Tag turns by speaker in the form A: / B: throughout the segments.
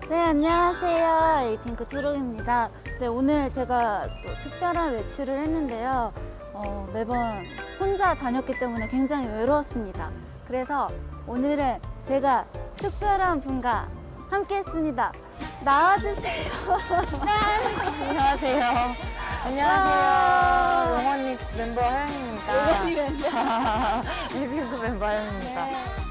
A: 네, 안녕하세요. 에이핑크 초록입니다. 네, 오늘 제가 또 특별한 외출을 했는데요. 매번 혼자 다녔기 때문에 굉장히 외로웠습니다. 그래서 오늘은 제가 특별한 분과 함께 했습니다. 나와주세요.
B: 안녕하세요.
A: 와.
B: 안녕하세요. 용원님 멤버 하영입니다.
A: 용원이 멤버.
B: 에이핑크 멤버 하영입니다.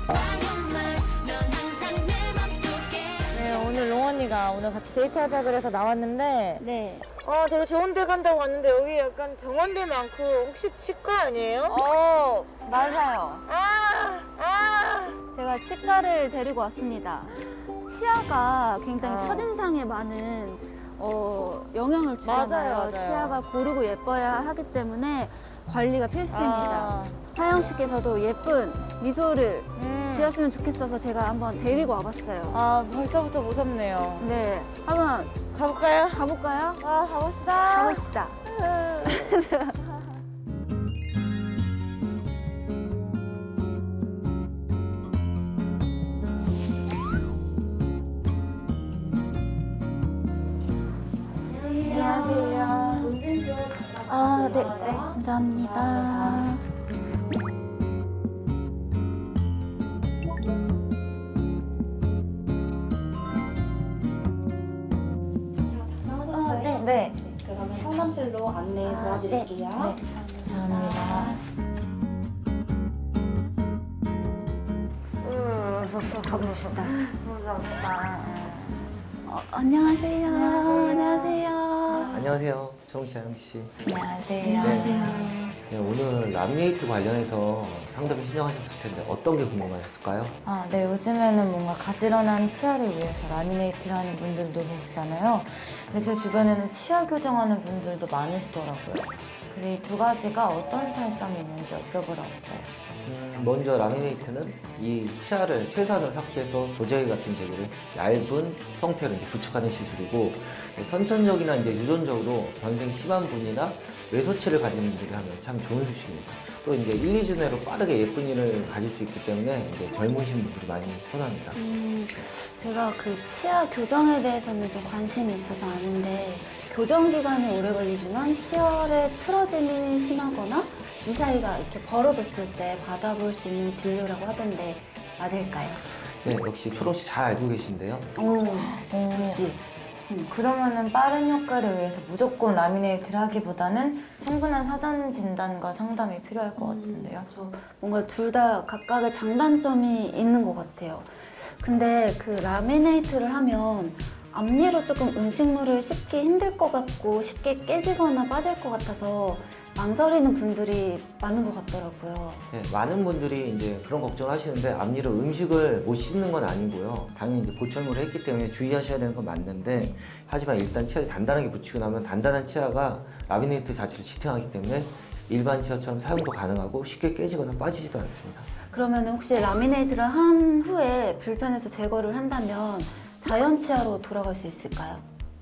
B: 네, 오늘 롱언니가 오늘 같이 데이트하자 그래서 나왔는데
A: 네.
B: 되게 좋은 데 간다고 왔는데 여기 약간 병원들 많고 혹시 치과 아니에요?
A: 맞아요.
B: 아!
A: 제가 치과를 데리고 왔습니다. 치아가 굉장히 첫인상에 많은 영향을 주잖아요.
B: 맞아요.
A: 치아가 고르고 예뻐야 하기 때문에 관리가 필수입니다. 하영 씨께서도 예쁜 미소를 지었으면 좋겠어서 제가 한번 데리고 와봤어요.
B: 벌써부터 무섭네요.
A: 네, 한번
B: 가볼까요?
A: 가볼까요?
B: 가봅시다.
A: 가봅시다.
B: 안녕하세요.
A: 네, 감사합니다.
B: 네.
C: 그러면 상담실로 안내 도와드릴게요.
A: 네,
B: 감사합니다.
A: 가봅시다.
B: 무섭다.
A: 안녕하세요. 안녕하세요.
D: 안녕하세요. 정씨, 하영씨.
B: 안녕하세요.
D: 네, 오늘 라미네이트 관련해서 상담 신청하셨을 텐데 어떤 게 궁금하셨을까요?
B: 네, 요즘에는 뭔가 가지런한 치아를 위해서 라미네이트를 하는 분들도 계시잖아요. 근데 제 주변에는 치아 교정하는 분들도 많으시더라고요. 그래서 이 두 가지가 어떤 차이점이 있는지 여쭤보러 왔어요.
D: 먼저 라미네이트는 이 치아를 최소한으로 삭제해서 도자기 같은 재질을 얇은 형태로 이제 부착하는 시술이고, 선천적이나 이제 유전적으로 변색이 심한 분이나 외소치를 가진 분들이 하면 참 좋은 수술입니다. 또 이제 1, 2주 내로 빠르게 예쁜 이를 가질 수 있기 때문에 이제 젊으신 분들이 많이 선호합니다.
A: 제가 그 치아 교정에 대해서는 좀 관심이 있어서 아는데, 교정 기간이 오래 걸리지만 치열의 틀어짐이 심하거나 이 사이가 이렇게 벌어졌을 때 받아볼 수 있는 진료라고 하던데 맞을까요?
D: 네, 역시 초롱 씨 잘 알고 계신데요.
A: 역시.
B: 그러면은 빠른 효과를 위해서 무조건 라미네이트를 하기보다는 충분한 사전 진단과 상담이 필요할 것 같은데요.
A: 그래서 뭔가 둘 다 각각의 장단점이 있는 것 같아요. 근데 그 라미네이트를 하면 앞니로 조금 음식물을 씹기 힘들 것 같고 쉽게 깨지거나 빠질 것 같아서 망설이는 분들이 많은 것 같더라고요.
D: 네, 많은 분들이 이제 그런 걱정을 하시는데 앞니로 음식을 못 씹는 건 아니고요. 당연히 이제 보철물을 했기 때문에 주의하셔야 되는 건 맞는데, 하지만 일단 치아를 단단하게 붙이고 나면 단단한 치아가 라미네이트 자체를 지탱하기 때문에 일반 치아처럼 사용도 가능하고 쉽게 깨지거나 빠지지도 않습니다.
A: 그러면 혹시 라미네이트를 한 후에 불편해서 제거를 한다면 자연 치아로 돌아갈 수 있을까요?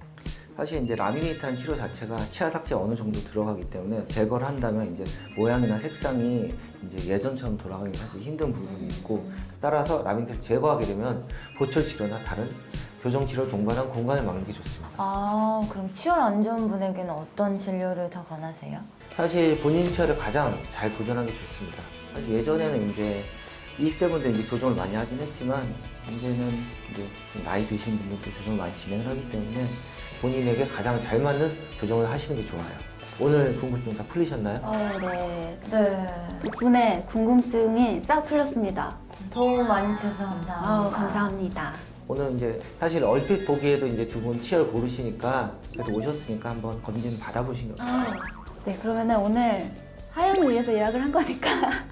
D: 사실 이제 라미네이트라는 치료 자체가 치아 삭제가 어느 정도 들어가기 때문에 제거를 한다면 이제 모양이나 색상이 이제 예전처럼 돌아가기 사실 힘든 부분이 있고, 따라서 라미네이트를 제거하게 되면 보철 치료나 다른 교정 치료를 동반한 공간을 막는 게 좋습니다.
B: 그럼 치열 안 좋은 분에게는 어떤 진료를 더 권하세요?
D: 사실 본인 치아를 가장 잘 교정하는 게 좋습니다. 사실 예전에는 이제 20대 분들 이제 교정을 많이 하긴 했지만, 이제는 이제 좀 나이 드신 분들도 교정을 많이 진행을 하기 때문에 본인에게 가장 잘 맞는 교정을 하시는 게 좋아요. 오늘 궁금증 다 풀리셨나요?
A: 네.
B: 네.
A: 덕분에 궁금증이 싹 풀렸습니다.
B: 도움 많이 주셔서 감사합니다.
A: 감사합니다.
D: 오늘 이제 사실 얼핏 보기에도 이제 두 분 치아를 고르시니까 그래도 오셨으니까 한번 검진 받아보신 게 어떨까요?
A: 네, 그러면은 오늘 하영을 위해서 예약을 한 거니까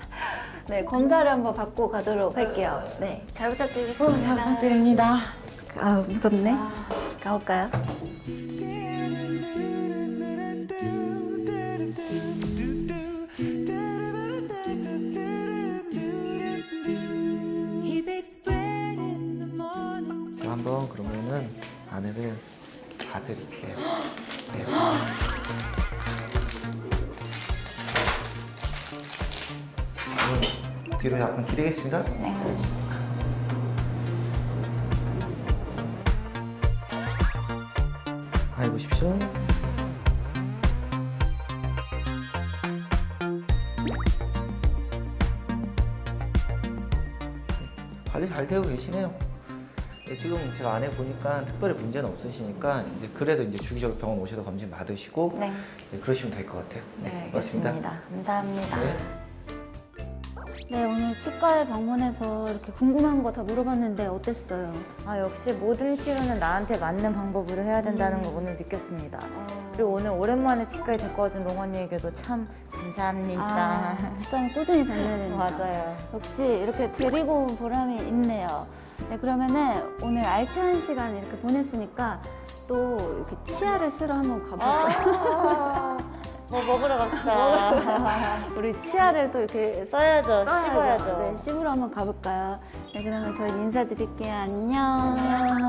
A: 네, 검사를 한번 받고 가도록 할게요. 네, 잘 부탁드리겠습니다.
B: 잘 부탁드립니다.
A: 무섭네. 가볼까요?
D: 제가 한번 그러면은 안에를 봐드릴게요. 네. 뒤로 약간 기대겠습니다.
B: 네.
D: 관리 잘 되고 계시네요. 네, 지금 제가 안에 보니까 특별히 문제는 없으시니까 이제 그래도 이제 주기적으로 병원 오셔서 검진 받으시고
B: 네.
D: 네, 그러시면 될 것 같아요.
B: 네,
D: 고맙습니다.
B: 알겠습니다. 감사합니다.
D: 네.
A: 네, 오늘 치과에 방문해서 이렇게 궁금한 거 다 물어봤는데 어땠어요?
B: 아, 역시 모든 치료는 나한테 맞는 방법으로 해야 된다는 걸 오늘 느꼈습니다. 그리고 오늘 오랜만에 치과에 데리고 와준 롱언니에게도 참 감사합니다.
A: 아, 치과는 꾸준히 다녀야 됩니다.
B: 맞아요.
A: 역시 이렇게 데리고 온 보람이 있네요. 네, 그러면은 오늘 알찬 시간 이렇게 보냈으니까 또 이렇게 치아를 쓰러 한번 가볼까요?
B: 뭐 먹으러 갑시다.
A: 우리 치아를 또 이렇게
B: 써야죠. 씹어야죠.
A: 네, 씹으러 한번 가볼까요? 네, 그러면 저희 인사드릴게요. 안녕.